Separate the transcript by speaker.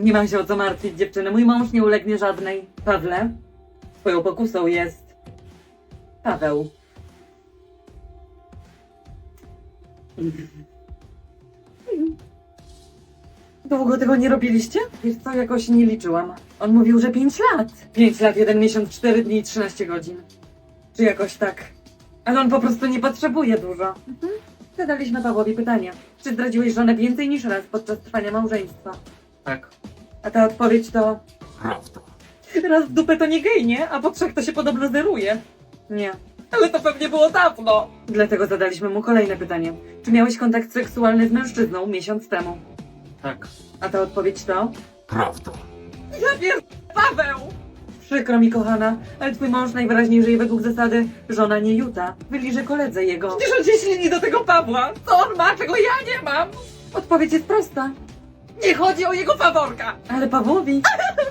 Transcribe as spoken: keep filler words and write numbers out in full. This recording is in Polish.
Speaker 1: Nie mam się o co martwić, dziewczyny. Mój mąż nie ulegnie żadnej. Pawle, twoją pokusą jest Paweł. Długo tego nie robiliście? Wiesz co, jakoś nie liczyłam. On mówił, że pięć lat. Pięć lat, jeden miesiąc, cztery dni i trzynaście godzin. Czy jakoś tak. Ale on po prostu nie potrzebuje dużo. Mhm. Zadaliśmy Pawłowi pytanie. Czy zdradziłeś żonę więcej niż raz podczas trwania małżeństwa?
Speaker 2: Tak.
Speaker 1: A ta odpowiedź to...
Speaker 2: Prawda.
Speaker 1: Raz w dupę to nie gej, nie? A po trzech to się podobno zeruje. Nie. Ale to pewnie było dawno. Dlatego zadaliśmy mu kolejne pytanie. Czy miałeś kontakt seksualny z mężczyzną miesiąc temu?
Speaker 2: Tak.
Speaker 1: A ta odpowiedź to...
Speaker 2: Prawda.
Speaker 1: Ja pier... Paweł! Przykro mi, kochana, ale twój mąż najwyraźniej żyje według zasady żona nie juta. Wyliże koledze jego. Przecież on się ślini do tego Pawła. Co on ma, czego ja nie mam? Odpowiedź jest prosta. Nie chodzi o jego faworka. Ale Pawłowi